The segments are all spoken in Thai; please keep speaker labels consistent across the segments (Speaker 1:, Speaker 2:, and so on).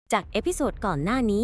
Speaker 1: จากเอพิโซดก่อนหน้านี้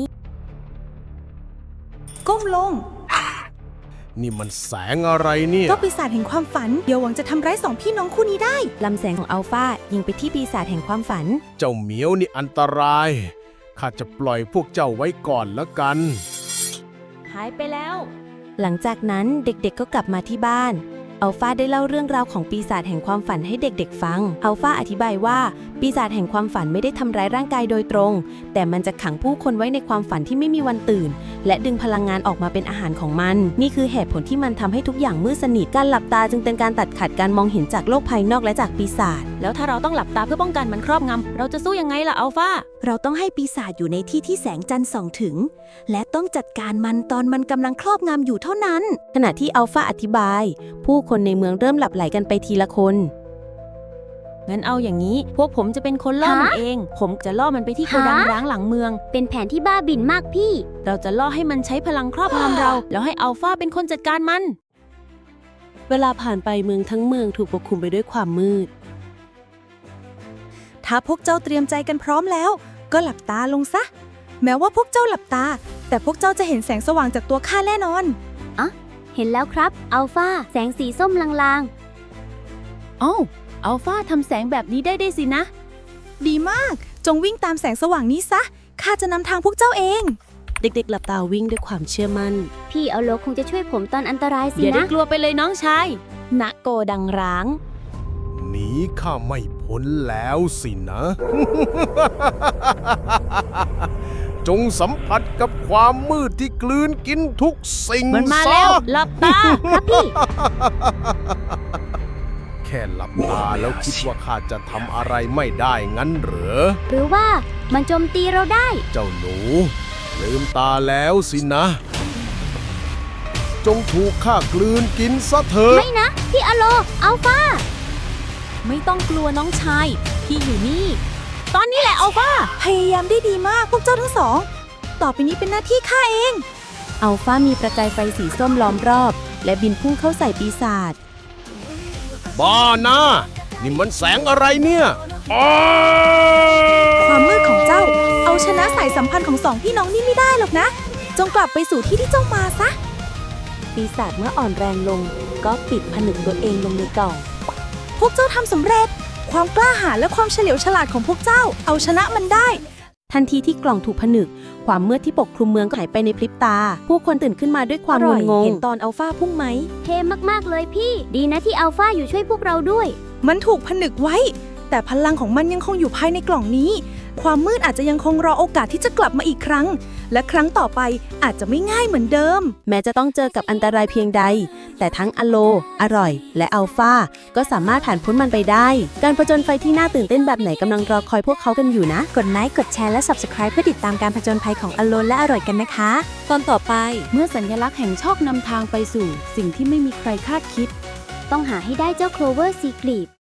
Speaker 2: ก้มลง
Speaker 3: นี่มันแสงอะไรเนี่ย
Speaker 2: ก็ปีศาจแห่งความฝันเดี๋ยวหวังจะทำร้ายสองพี่น้องคู่นี้ได้
Speaker 1: ลำแสงของอัลฟายิงไปที่ปีศาจแห่งความฝัน
Speaker 3: เจ้าเหมียวนี่อันตรายข้าจะปล่อยพวกเจ้าไว้ก่อนละกัน
Speaker 1: หายไปแล้วหลังจากนั้นเด็กๆก็กลับมาที่บ้านอัลฟาได้เล่าเรื่องราวของปีศาจแห่งความฝันให้เด็กๆฟังอัลฟาอธิบายว่าปีศาจแห่งความฝันไม่ได้ทำร้ายร่างกายโดยตรงแต่มันจะขังผู้คนไว้ในความฝันที่ไม่มีวันตื่นและดึงพลังงานออกมาเป็นอาหารของมันนี่คือเหตุผลที่มันทำให้ทุกอย่างมืดสนิทการหลับตาจึงเป็นการตัดขาดการมองเห็นจากโลกภายนอกและจากปีศาจแล้วถ้าเราต้องหลับตาเพื่อป้องกันมันครอบงำเราจะสู้ยังไงล่ะอัลฟา
Speaker 4: เราต้องให้ปีศาจอยู่ในที่ที่แสงจันทร์ส่องถึงและต้องจัดการมันตอนมันกำลังครอบงำอยู่เท่านั้น
Speaker 1: ขณะที่อัลฟาอธิบายผู้คนในเมืองเริ่มหลับไหลกันไปทีละคนงั้นเอาอย่างนี้พวกผมจะเป็นคนล่อมันเองผมจะล่อมันไปที่โกดังร้างหลังเมือง
Speaker 5: เป็นแผนที่บ้าบิ่นมากพี่
Speaker 1: เราจะล่อให้มันใช้พลังครอบงำเราแล้วให้อัลฟาเป็นคนจัดการมันเวลาผ่านไปเมืองทั้งเมืองถูกปกคลุมไปด้วยความมืด
Speaker 2: ถ้าพวกเจ้าเตรียมใจกันพร้อมแล้วก็หลับตาลงซะแม้ว่าพวกเจ้าหลับตาแต่พวกเจ้าจะเห็นแสงสว่างจากตัวข้าแน่นอน
Speaker 5: เห็นแล้วครับอัลฟาแสงสีส้มลาง
Speaker 1: อ้าวอัลฟาทำแสงแบบนี้ได้สินะ
Speaker 2: ดีมากจงวิ่งตามแสงสว่างนี้ซะข้าจะนำทางพวกเจ้าเอง
Speaker 1: เด็กๆหลับตาวิ่งด้วยความเชื่อมั่น
Speaker 5: พี่อัลโลคงจะช่วยผมตอนอันตรายสินะ
Speaker 1: อย่าได้กลัวไปเลยน้องชายณโกดังร้าง
Speaker 3: หนีข้าไม่พ้นแล้วสินะ จงสัมผัสกับความมืดที่กลืนกินทุกสิ่ง
Speaker 1: มันมาแล้วหลับตา
Speaker 5: ครับพี่
Speaker 3: แค่หลับตาแล้วคิดว่าข้าจะทำอะไรไม่ได้งั้นเหรอ
Speaker 5: หรือว่ามันโจมตีเราได้
Speaker 3: เจ้าหนูลืมตาแล้วสินะ จงถูกข้ากลืนกินซะเถอะ
Speaker 5: ไม่นะพี่อัลโลอัลฟา
Speaker 1: ไม่ต้องกลัวน้องชายพี่อยู่นี่ตอนนี้แหละอัลฟา
Speaker 2: พยายามได้ดีมากพวกเจ้าทั้งสองต่อไปนี้เป็นหน้าที่ข้าเอง
Speaker 1: อัลฟามีประกายไฟสีส้มล้อมรอบและบินพุ่งเข้าใส่ปีศาจ
Speaker 3: บ้านะนี่มันแสงอะไรเนี่ย
Speaker 2: ความมืดของเจ้าเอาชนะสายสัมพันธ์ของสองพี่น้องนี่ไม่ได้หรอกนะจงกลับไปสู่ที่ที่เจ้ามาซะ
Speaker 1: ปีศาจเมื่ออ่อนแรงลงก็ปิดผนึกตัวเองลงในกล่อง
Speaker 2: พวกเจ้าทำสำเร็จความกล้าหาญและความเฉลียวฉลาดของพวกเจ้าเอาชนะมันได้
Speaker 1: ทันทีที่กล่องถูกผนึกความมืดที่ปกคลุมเมืองก็หายไปในพริบตาผู้คนตื่นขึ้นมาด้วยความงุนงงเห็นตอนอัลฟาพุ่งไหม
Speaker 5: เท่มากๆเลยพี่ดีนะที่อัลฟาอยู่ช่วยพวกเราด้วย
Speaker 2: มันถูกผนึกไว้แต่พลังของมันยังคงอยู่ภายในกล่องนี้ความมืดอาจจะยังคงรอโอกาสที่จะกลับมาอีกครั้งและครั้งต่อไปอาจจะไม่ง่ายเหมือนเดิม
Speaker 1: แม้จะต้องเจอกับอันตรายเพียงใดแต่ทั้งอโลอร่อยและอัลฟาก็สามารถผ่านพ้นมันไปได้การผจญไฟที่น่าตื่นเต้นแบบไหนกำลังรอคอยพวกเขากันอยู่นะ
Speaker 4: กดไลค์กดแชร์และ Subscribe เพื่อติดตามการผจญภัยของอโลและอร่อยกันนะคะ
Speaker 1: ตอนต่อไปเมื่อสัญลักษณ์แห่งโชคนำทางไปสู่สิ่งที่ไม่มีใครคาดคิด
Speaker 5: ต้องหาให้ได้เจ้าโคลเวอร์ซีกรีด